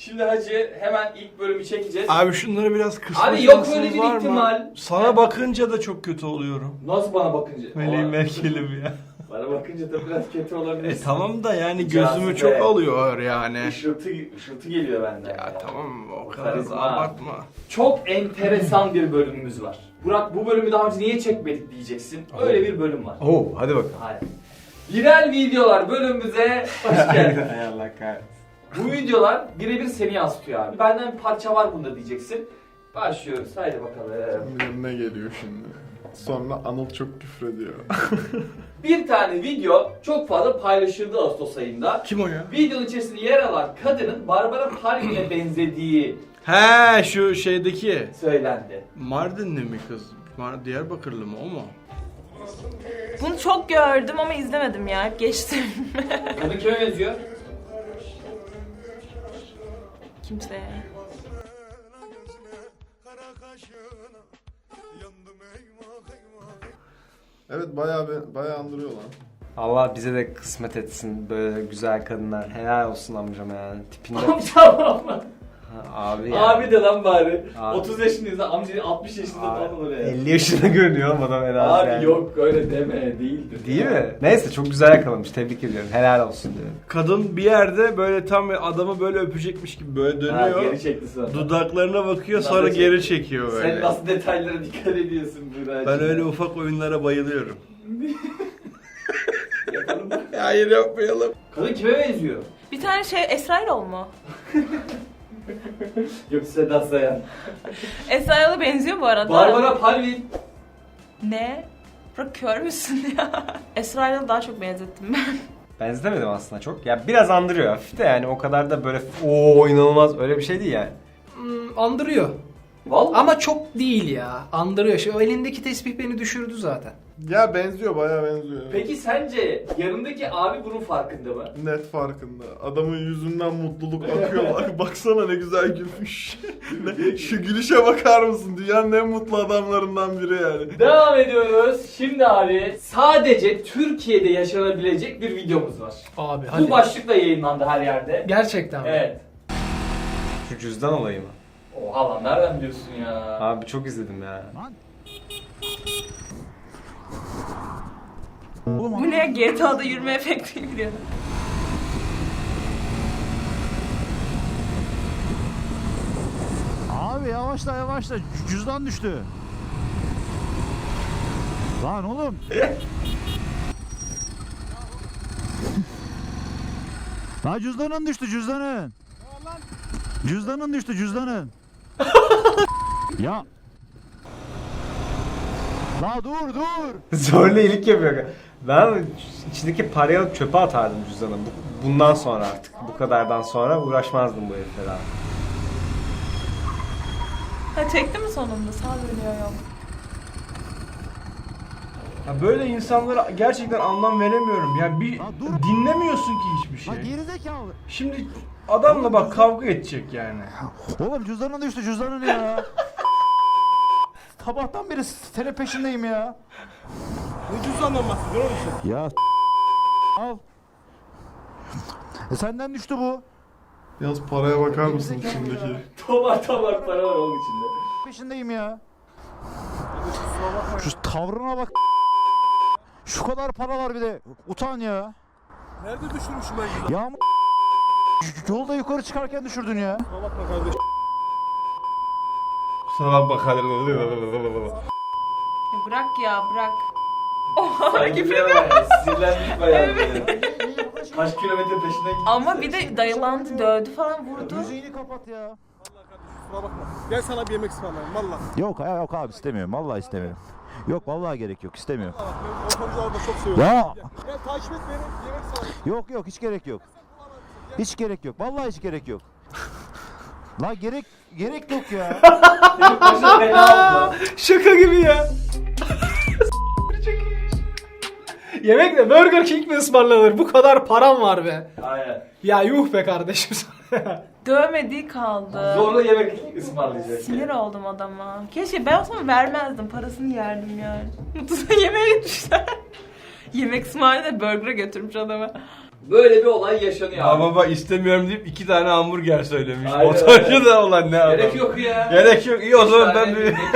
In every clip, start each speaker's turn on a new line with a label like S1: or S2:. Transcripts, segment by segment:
S1: Şimdi hacı hemen ilk bölümü çekeceğiz.
S2: Abi şunları biraz kısma
S1: Abi yok
S2: şansınız
S1: öyle bir
S2: var mı?
S1: ihtimal.
S2: Sana bakınca da çok kötü oluyorum.
S1: Nasıl bana bakınca?
S2: Meleğim Merkel'im ya.
S1: Bana bakınca da biraz kötü olabilir.
S2: Tamam da yani
S1: Cazibe.
S2: gözümü çok alıyor yani.
S1: Işıltı geliyor benden.
S2: Ya tamam o kadar da
S1: Karizma.
S2: abartma.
S1: Çok enteresan bir bölümümüz var. Burak bu bölümü daha önce niye çekmedik diyeceksin. Öyle bir bölüm var.
S3: Oo hadi bakalım.
S1: Hayır. Viral videolar bölümümüze hoş geldin.
S3: Hay Allah kahretsin.
S1: Bu videolar birebir seni yansıtıyor abi. Benden bir parça var bunda diyeceksin. Başlıyoruz. Haydi bakalım.
S4: Ne geliyor şimdi? Sonra Anıl çok küfrediyor.
S1: Bir tane video çok fazla paylaşıldı Ağustos ayında.
S2: Kim o ya?
S1: Videonun içerisinde yer alan kadının Barbara Palvin'e benzediği
S2: He şu şeydeki.
S1: söylendi.
S2: Mardinli mi kız? Diyarbakırlı mı o mu?
S5: Bunu çok gördüm ama izlemedim ya. Geçtim.
S1: Kadın kime benziyor?
S5: Kimseye.
S4: Evet bayağı andırıyor lan.
S3: Allah bize de kısmet etsin böyle güzel kadınlar. Helal olsun amcam yani. Tipinde.
S1: Amcam mı?
S3: Abi ya.
S1: Abi de lan bari.
S3: Abi.
S1: 30 yaşındayız amca 60 yaşında falan oluyor ya.
S3: 50 yaşında görünüyor ama adam helal
S1: Abi
S3: yani.
S1: yok öyle deme değildir.
S3: Değil mi? Neyse çok güzel yakalamış. Tebrik ediyorum. Helal olsun diyorum.
S2: Kadın bir yerde böyle tam adamı böyle öpecekmiş gibi böyle
S1: Ha,
S2: dönüyor.
S1: geri çekti sonra.
S2: Dudaklarına bakıyor
S1: Daha
S2: sonra
S1: da
S2: geri çekiyor böyle.
S1: Sen nasıl detaylara dikkat ediyorsun Burak?
S2: Ben öyle ufak oyunlara bayılıyorum.
S1: Yapalım mı?
S2: Hayır yapmayalım.
S1: Kadın kime benziyor?
S5: Bir tane Esra Erol mu?
S1: Yok Sedat Sayan.
S5: Esra Erol'a benziyor bu arada.
S1: Barbara Palvin.
S5: Ne? Bırak kör müsün ya? Esra Erol'u daha çok benzettim ben.
S3: Benzetemedim aslında çok. Ya biraz andırıyor hafif de yani o kadar da böyle ooo inanılmaz öyle bir şey değil yani.
S6: Andırıyor.
S1: Vallahi.
S6: Ama çok değil ya. Andırıyor. Şu elindeki tesbih beni düşürdü zaten.
S4: Ya benziyor bayağı benziyor.
S1: Peki sence yanındaki abi bunun farkında mı?
S4: Net farkında. Adamın yüzünden mutluluk akıyor. Bak baksana ne güzel gülmüş. Şu gülüşe bakar mısın? Dünyanın en mutlu adamlarından biri yani.
S1: Devam ediyoruz. Şimdi abi sadece Türkiye'de yaşanabilecek bir videomuz var.
S6: Abi
S1: Bu
S6: hadi.
S1: başlıkla yayınlandı her yerde.
S6: Gerçekten mi?
S1: Evet.
S3: Şu cüzdan olayı mı?
S1: Oha lan nereden biliyorsun ya?
S3: Abi çok izledim ya.
S5: Bu ne? GTA'da yürüme efekti gibi.
S7: Abi yavaşla yavaşla cüzdan düştü. Lan oğlum. Lan cüzdanın düştü cüzdanın. Cüzdanın düştü cüzdanın. Ya. La dur dur.
S3: Zorla iyilik yapıyor. Ben içindeki parayı alıp çöpe atardım cüzdanı. Bundan sonra artık. Bu kadardan sonra uğraşmazdım bu herifle daha.
S5: Ha çekti mi sonunda? Sağ dönüyor yok.
S2: Ya böyle insanlara gerçekten anlam veremiyorum. Ya bir
S7: Ya dur.
S2: dinlemiyorsun ki hiçbir
S7: Lan
S2: şey.
S7: gerizekalı.
S2: Şimdi adamla bak kavga edecek yani.
S7: Oğlum cüzdanın düştü cüzdanın ya. Sabahtan beri senin peşindeyim ya.
S2: Ne cüzdandan bahsediyorsun oğlum
S7: Ya al. Senden düştü bu.
S4: Yalnız paraya bakar mısın içindeki?
S1: Tomar para var onun içinde.
S7: Peşindeyim ya. Şu tavrına bak. Şu kadar para var bir de. Utan ya.
S8: Nerede düşürmüşüm ben ya?
S7: Ya yolda yukarı çıkarken düşürdün ya.
S8: Bakma kardeş.
S2: Kusura bakma.
S5: Ya bırak ya bırak.
S1: Sanki bir ara sinirlendik bayağı. Kaç kilometre peşinden gitti.
S5: Ama bir de dayılandı, dövdü falan vurdu.
S7: Müziğini kapat ya.
S8: Vallahi kardeşim kusura bakma. Gel sana bir yemek ısmarlayayım valla.
S7: Yok abi istemiyorum. Vallahi istemiyorum. Yok vallahi gerek yok istemiyorum.
S8: Valla bak ben ortamcıları da çok seviyorum.
S7: Ya
S8: Gel takip et beni yemek ısmarlayayım.
S7: yok hiç gerek yok. Hiç gerek yok. Vallahi hiç gerek yok. La gerek yok ya.
S1: Benim başım fena oldu.
S6: Şaka gibi ya. Yemekle Burger King mi ısmarlanır? Bu kadar param var be.
S1: Aynen.
S6: Ya yuh be kardeşim sana.
S5: Dövmediği kaldı.
S1: Zorla yemek ısmarlayacak.
S5: Sinir oldum adama. Keşke ben olsam vermezdim. Parasını yerdim yani. Mutlu'da yemeğe gitmişler. Yemek ısmarlayıp da burger'a götürmüş adamı.
S1: Böyle bir olay yaşanıyor abi.
S2: Baba istemiyorum deyip 2 tane hamburger söylemiş.
S1: Aynen
S2: Motorcu
S1: öyle.
S2: da olan ne adam.
S1: Gerek yok ya.
S2: Gerek yok. İyi o
S1: Üç
S2: zaman
S1: tane
S2: ben bir...
S1: yemek.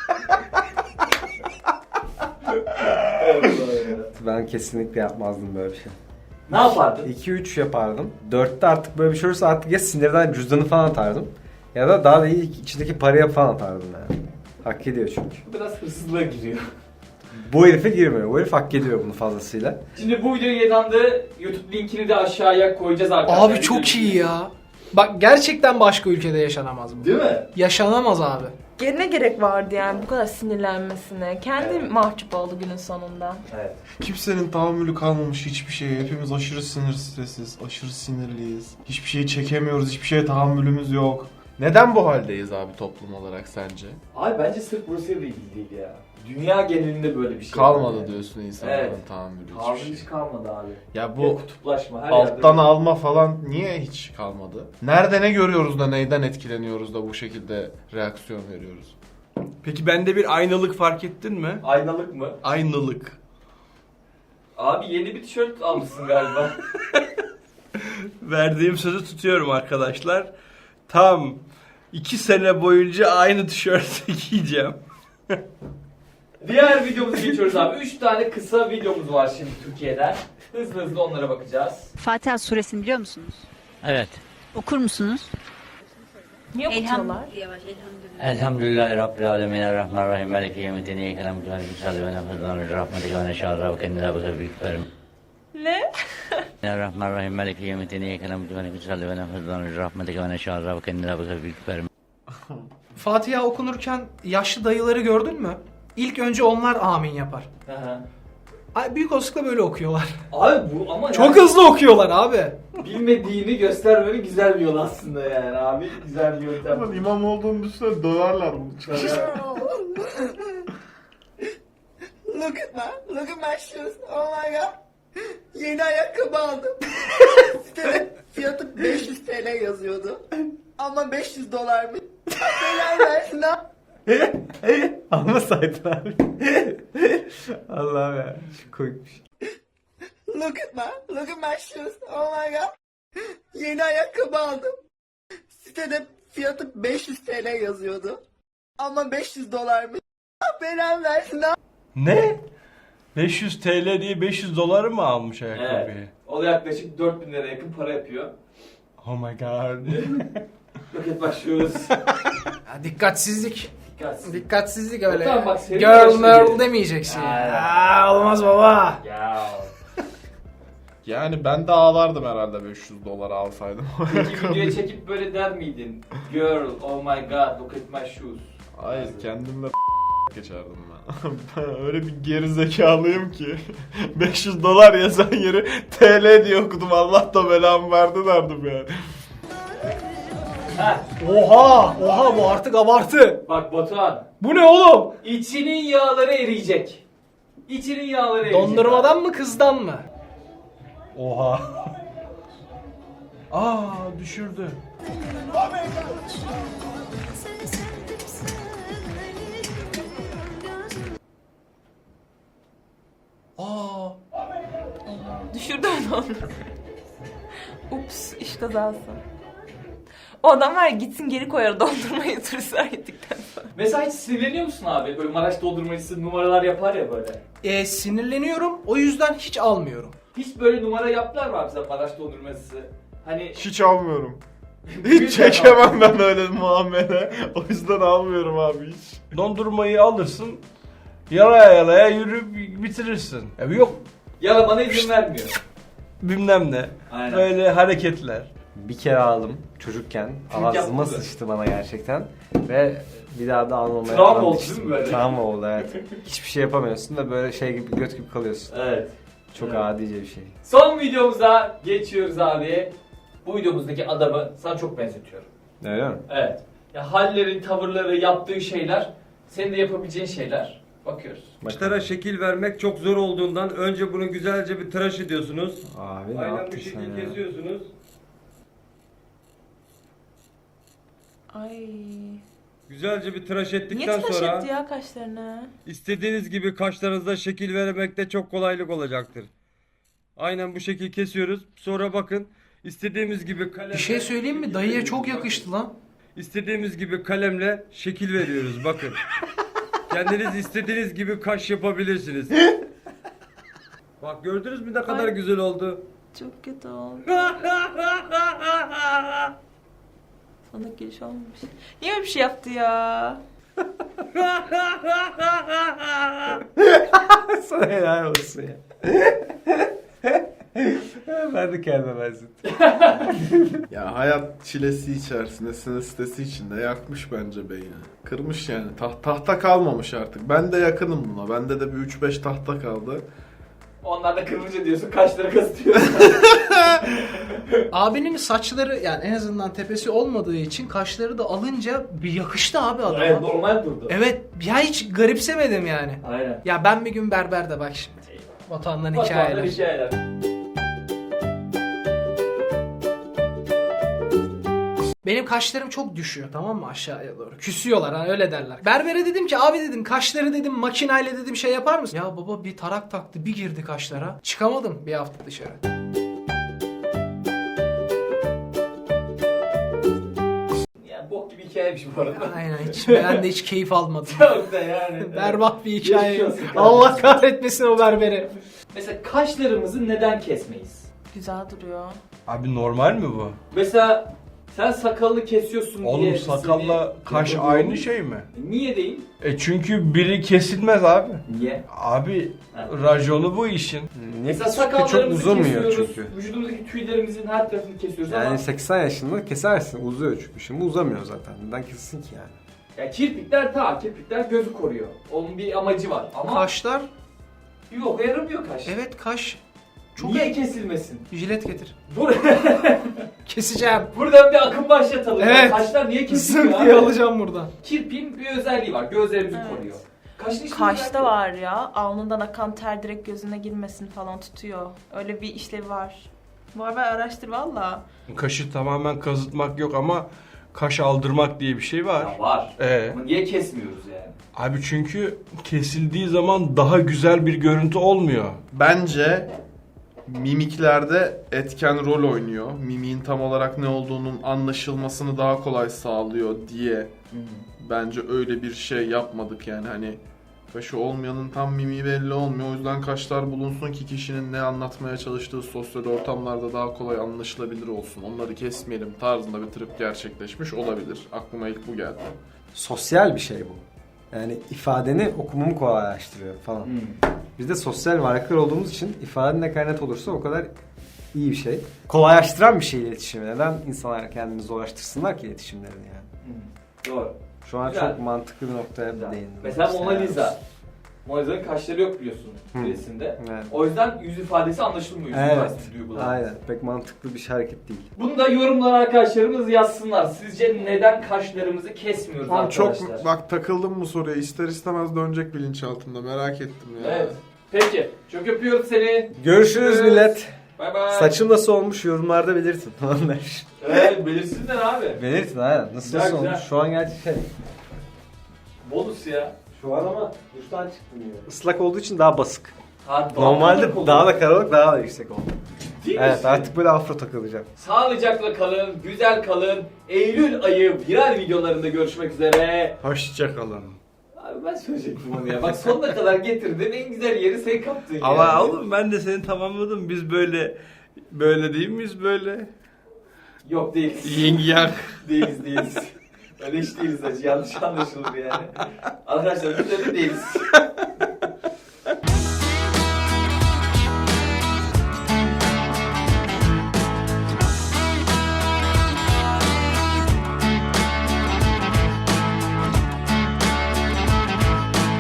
S1: Evet,
S3: Ben kesinlikle yapmazdım böyle bir şey.
S1: ne yapardın?
S3: 2-3 yapardım. 4'te artık böyle bir şey olursa artık ya sinirden cüzdanı falan atardım. Ya da daha da iyi içindeki paraya falan atardım yani. Hak ediyor çünkü.
S1: Bu biraz hırsızlığa giriyor.
S3: Bu herife girmiyor. Bu herif hak ediyor bunu fazlasıyla.
S1: Şimdi bu video yayınlandı. YouTube linkini de aşağıya koyacağız arkadaşlar.
S6: Abi çok iyi ya. Bak gerçekten başka ülkede yaşanamaz bu.
S1: Değil mi?
S6: Yaşanamaz abi.
S5: Ne gerek vardı yani bu kadar sinirlenmesine? Kendi mahcup oldu günün sonunda.
S1: Evet.
S4: Kimsenin tahammülü kalmamış hiçbir şeye. Hepimiz aşırı stresiz, aşırı sinirliyiz. Hiçbir şeyi çekemiyoruz, hiçbir şeye tahammülümüz yok. Neden bu haldeyiz abi toplum olarak sence?
S1: Abi bence sırf Rusya'da ilgili değil ya. Dünya genelinde böyle bir şey
S4: Kalmadı
S1: var.
S4: diyorsun insanların
S1: Evet.
S4: tahammülü
S1: Tahammül
S4: hiçbir şey.
S1: hiç kalmadı abi.
S4: Ya
S1: Bu
S4: bu
S1: kutuplaşma her
S4: alttan
S1: yerde.
S4: alma falan niye hiç kalmadı? Nerede ne görüyoruz da neyden etkileniyoruz da bu şekilde reaksiyon veriyoruz?
S2: Peki bende bir aynalık fark ettin mi?
S1: Aynalık mı?
S2: Aynalık.
S1: Abi yeni bir tişört almışsın galiba.
S2: Verdiğim sözü tutuyorum arkadaşlar. Tam 2 sene boyunca aynı tişörtü giyeceğim.
S1: Diğer videomuza geçiyoruz abi. 3 tane kısa videomuz var şimdi Türkiye'den. Hızlı hızlı onlara bakacağız.
S9: Fatiha suresini biliyor musunuz?
S10: Evet.
S9: Okur musunuz?
S5: Niye okuyorlar?
S10: Elhamdülillahi Rabbil alemin. Errahmanirrahim. Meleki yevmiddin. İyyâke na'budu ve iyyâke nestaîn. Ve rahmetike ve neşâ'ra ve kendine bu büyük verim.
S5: Ne?
S10: Errahmanirrahim. Meleki yevmiddin. İyyâke na'budu ve iyyâke nestaîn. Ve rahmetike ve neşâ'ra ve kendine bu büyük verim.
S6: Fatiha okunurken yaşlı dayıları gördün mü? İlk önce onlar amin yapar.
S1: Hı.
S6: Ay, büyük olasılıkla böyle okuyorlar.
S1: Abi bu ama
S6: Çok
S1: yani
S6: hızlı okuyorlar abi.
S1: bilmediğini göstermenin güzel bir yol aslında yani abi. Güzel bir yöntem.
S4: Ama imam olduğunu düşünsene döverler bunu çıkar.
S11: Look at my shoes. Oh my god. Yeni ayakkabı aldım. Sitede fiyatı 500 TL yazıyordu. Ama 500 dolarmış. Neler versin ha?
S3: Almasaydın abi. Allah'ım ya. Çok koymuş.
S11: Look at my shoes. Oh my god. Yeni ayakkabı aldım. Sitede fiyatı 500 TL yazıyordu. Ama 500 dolarmış. Neler versin ha?
S2: Ne? 500 TL diye 500 doları mı almış
S1: Evet.
S2: ayakkabıyı?
S1: O da yaklaşık 4000 liraya yakın para yapıyor.
S2: Oh my god.
S1: Roket başlıyoruz.
S6: Ya, dikkatsizlik.
S1: Dikkatsiz.
S6: Dikkatsizlik öyle.
S1: Tamam, bak, senin
S6: Girl
S1: başına
S6: merl
S1: gelin.
S6: demeyeceksin.
S1: Aynen.
S6: Aa, olmaz baba.
S1: Ya.
S4: Yani ben de ağlardım herhalde 500 dolar alsaydım.
S1: Peki videoya çekip böyle der miydin? Girl, oh my god, look at my shoes.
S4: Hayır kendimle geçerdim ben. Ben öyle bir geri zekalıyım ki 500 dolar yazan yeri TL diye okudum. Allah da belamı verdi derdim yani.
S1: Heh,
S6: Oha bu artık abartı.
S1: bak Batuhan.
S6: Bu ne oğlum?
S1: İçinin yağları eriyecek. İçinin yağları eriyecek.
S6: Dondurmadan mı kızdan mı?
S2: Oha. Aa düşürdü.
S6: Aa.
S5: Düşürdü onu. Ups, iş kazası. O adam var ya gitsin geri koyar dondurmayı turistler gittikten sonra.
S1: Mesela hiç sinirleniyor musun abi? Böyle Maraş doldurmacısı numaralar yapar ya böyle.
S6: Sinirleniyorum. O yüzden hiç almıyorum.
S1: Hiç böyle numara yaptılar mı abi sen Maraş dondurmacısı? Hani
S4: Hiç almıyorum. Hiç çekemem ben öyle muamele. O yüzden almıyorum abi hiç.
S2: Dondurmayı alırsın. Yalaya yalaya yürüp bitirirsin. Yok
S1: yalamana izin vermiyor.
S2: bilmem ne.
S1: Aynen.
S2: Böyle hareketler.
S3: Bir kere aldım çocukken.
S1: Çocuk
S3: Ağzıma
S1: yapmadı.
S3: sıçtı bana gerçekten. Ve bir daha da almamaya
S1: Travma
S3: falan
S1: oldu
S3: düştüm.
S1: değil mi böyle?
S3: Travma oldu evet. Hiçbir şey yapamıyorsun ve böyle şey gibi göt gibi kalıyorsun.
S1: Evet.
S3: Çok
S1: Evet.
S3: adice bir şey.
S1: Son videomuza geçiyoruz abi. Bu videomuzdaki adamı sana çok benzetiyorum.
S3: Öyle mi?
S1: Evet. Ya hallerin, tavırları, yaptığı şeyler, senin de yapabileceğin şeyler. Bakıyoruz.
S12: Saçlara şekil vermek çok zor olduğundan önce bunu güzelce bir tıraş ediyorsunuz.
S3: Abi ne
S12: Aynen
S3: yaptın
S12: bir
S3: sen
S12: şekil
S3: ya?
S12: kesiyorsunuz.
S5: Ay.
S12: Güzelce bir tıraş
S5: Niye
S12: ettikten
S5: tıraş
S12: sonra
S5: etti ya kaşlarını?
S12: istediğiniz gibi kaşlarınıza şekil vermekte çok kolaylık olacaktır. Aynen bu şekil kesiyoruz. Sonra bakın istediğimiz gibi kalemle...
S6: Bir şey söyleyeyim mi? Dayıya çok yakıştı lan.
S12: İstediğimiz gibi kalemle şekil veriyoruz bakın. Kendiniz istediğiniz gibi kaş yapabilirsiniz. Bak gördünüz mü ne kadar güzel oldu.
S5: Çok kötü oldu. Sana giriş olmamış. Niye öyle bir şey yaptı ya?
S3: Sana helal olsun ya. Ben de kendime benzettim.
S4: Ya hayat çilesi içerisinde, sinir stresi içinde yakmış bence beyni. Kırmış yani. Tahta kalmamış artık. Ben de yakınım buna. Bende de bir 3-5 tahta kaldı.
S1: Onlar da kırmızı diyorsun, kaşları kazıtıyor.
S6: Abinin saçları yani en azından tepesi olmadığı için kaşları da alınca bir yakıştı abi adama.
S1: Evet, normal durdu.
S6: Evet, ya hiç garipsemedim yani.
S1: Aynen.
S6: Ya ben bir gün berberde bak şimdi. Vatandan
S1: Hikayeler.
S6: hikayeler. Benim kaşlarım çok düşüyor, tamam mı, aşağıya doğru. Küsüyorlar, ha öyle derler. Berbere dedim ki abi dedim kaşları dedim makinayla dedim şey yapar mısın? Ya baba bir tarak taktı, bir girdi kaşlara. Çıkamadım bir hafta dışarı.
S1: Ya bok gibi hikayemiş bu arada.
S6: Aynen, ben de hiç keyif almadım.
S1: Çok da yani.
S6: Berbat bir hikaye.
S1: Geçmiş olsun kardeşim.
S6: Allah kahretmesin o berberi.
S1: Mesela kaşlarımızı neden kesmeyiz?
S5: Güzel duruyor.
S2: Abi normal mi bu?
S1: Mesela sen sakalını kesiyorsun diye...
S2: Oğlum sakalla
S1: seni
S2: kaş
S1: yapabiliyor
S2: aynı
S1: muyum?
S2: şey mi?
S1: Niye değil?
S2: Çünkü biri kesilmez abi.
S1: Niye?
S2: Abi
S1: Ha.
S2: raconu bu işin.
S1: Mesela
S3: Çok
S1: sakallarımızı
S3: uzamıyor
S1: kesiyoruz,
S3: çünkü.
S1: vücudumuzdaki tüylerimizin her tarafını kesiyoruz ama...
S3: Yani 80 yaşında kesersin, uzuyor çünkü. Şimdi uzamıyor zaten. Neden kessin ki yani?
S1: Ya kirpikler gözü koruyor. Onun bir amacı var ama
S6: Kaşlar,
S1: yok yaramıyor kaş.
S6: evet kaş. Çok
S1: Niye kesilmesin?
S6: Jilet getir.
S1: Dur.
S6: Keseceğim.
S1: Buradan bir akım başlatalım.
S6: Evet.
S1: Kaşlar niye kesiliyor
S6: Zınk
S1: abi?
S6: diye alacağım buradan.
S1: Kirpiğin bir özelliği var. Gözlerimizi
S5: Evet.
S1: koruyor. Kaşın hiçbir
S5: Kaşta
S1: özelliği yok.
S5: var ya. Alnından akan ter direkt gözüne girmesin falan tutuyor. Öyle bir işlevi var. Var araştır valla.
S2: Kaşı tamamen kazıtmak yok ama kaş aldırmak diye bir şey var.
S1: Ya var. Ama niye kesmiyoruz yani?
S2: Abi çünkü kesildiği zaman daha güzel bir görüntü olmuyor.
S4: Bence mimiklerde etken rol oynuyor. Mimiğin tam olarak ne olduğunun anlaşılmasını daha kolay sağlıyor diye bence öyle bir şey yapmadık yani hani kaşı olmayanın tam mimiği belli olmuyor. O yüzden kaşlar bulunsun ki kişinin ne anlatmaya çalıştığı sosyal ortamlarda daha kolay anlaşılabilir olsun. Onları kesmeyelim tarzında bir trip gerçekleşmiş olabilir. Aklıma ilk bu geldi.
S3: Sosyal bir şey bu. Yani ifadeni okumamı kolaylaştırıyor falan. Biz de sosyal varlıklar olduğumuz için ifaden ne kadar net olursa o kadar iyi bir şey. Kolaylaştıran bir şey iletişimi. Neden insanlar kendini zorlaştırsınlar ki iletişimlerini yani?
S1: Doğru.
S3: Şu an
S1: Güzel.
S3: çok mantıklı bir noktaya
S1: Güzel.
S3: değindim.
S1: Mesela Mona Lisa. Mona Lisa'nın kaşları yok biliyorsun resimde.
S3: Evet.
S1: O yüzden yüz ifadesi anlaşılmıyor. Yüz
S3: Evet.
S1: ifadesi duygular.
S3: Aynen. Pek mantıklı bir hareket değil.
S1: Bunu da yorumlara arkadaşlarımız yazsınlar. Sizce neden kaşlarımızı kesmiyoruz
S4: Ama
S1: arkadaşlar?
S4: çok bak takıldım bu soruya. İster istemez dönecek bilinçaltımda. Merak ettim ya.
S1: Evet. Peki. Çok öpüyoruz seni.
S3: Görüşürüz millet.
S1: Bay bay.
S3: Saçım nasıl olmuş yorumlarda belirtin.
S1: Evet belirsinler abi.
S3: Belirtin aynen. Nasıl
S1: Güzel,
S3: olmuş?
S1: güzel.
S3: Şu an gerçi şey.
S1: Bonus ya.
S3: Şu an ama duştan çıktım yine. Islak olduğu için daha basık.
S1: Ha,
S3: Normalde daha da karalık daha da yüksek oldu.
S1: Ciddi
S3: Evet
S1: misin?
S3: artık böyle afro takılacağım.
S1: Sağlıcakla kalın, güzel kalın. Eylül ayı viral videolarında görüşmek üzere.
S2: Hoşçakalın.
S1: Abi ben söyleyecektim onu ya. Bak sonuna kadar getirdin. En güzel yeri sen kaptın
S2: Ama
S1: ya.
S2: oğlum ben de seni tamamladım. Biz böyle değil miyiz böyle?
S1: Yok değiliz.
S2: Yin yang.
S1: Değiliz. Öyle hiç değiliz acı. Yanlış anlaşılır yani. Arkadaşlar biz öyle değiliz.